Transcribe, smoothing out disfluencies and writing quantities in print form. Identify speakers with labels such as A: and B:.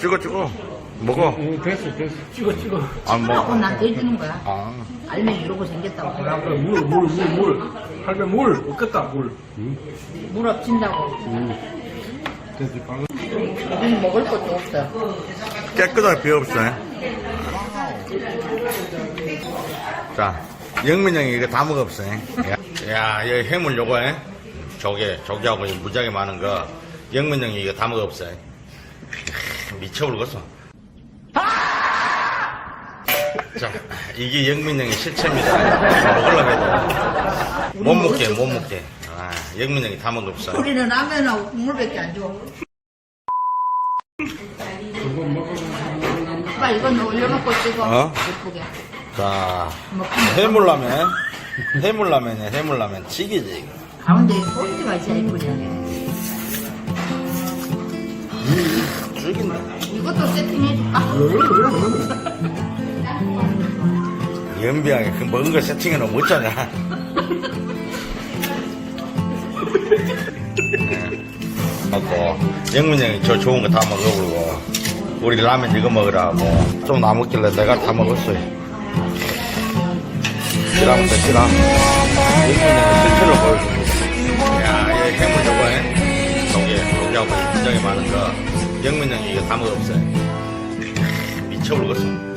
A: 찍어. 먹어.
B: 됐어. 찍어.
A: 안 먹어.
C: 그럼 나한테 해주는 거야.
A: 아.
C: 알맹이 이러고 생겼다고.
B: 그래, 물. 할배 물. 없겠다, 물.
C: 물 없친다고.
B: 됐어, 방금.
C: 우린 먹을 것도 없어.
A: 깨끗하게 비어 없어. 자, 영민 형이 이거 다 먹었어. 야, 여기 해물 요거, 조개하고 무지하게 많은 거. 영민 형이 이거 다 먹었어. 미쳐버리겠어. 자, 이게 영민 형의 실체입니다. 먹으려고 해도. 못 먹게. 아, 영민 형이 다 먹었어.
C: 우리는 라면하고 국물밖에 안 줘. 오빠 이건 올려놓고 찍어.
A: 어?
C: 예쁘게.
A: 자,
C: 먹고
A: 해물라면이야, 해물라면. 찌개지, 이거.
C: 가운데 포인트가 있어야 예쁘냐.
A: 죽인다.
C: 이것도 세팅해줄까?
A: 연비하게 그 먹은 거 세팅해놓으면 어쩌냐. 하고, 영민 형이 저 좋은 거 다 먹어보고, 우리 라면 이거 먹으라고. 좀 남았길래 내가 다 먹었어요. 지라부터 지라. 영민 형의 실체를 보여줍니다. 야, 여기 해물 저거에, 조개하고 굉장히 많은 거. 영민 형이 이거 다 먹었어요. 미쳐버리겠어.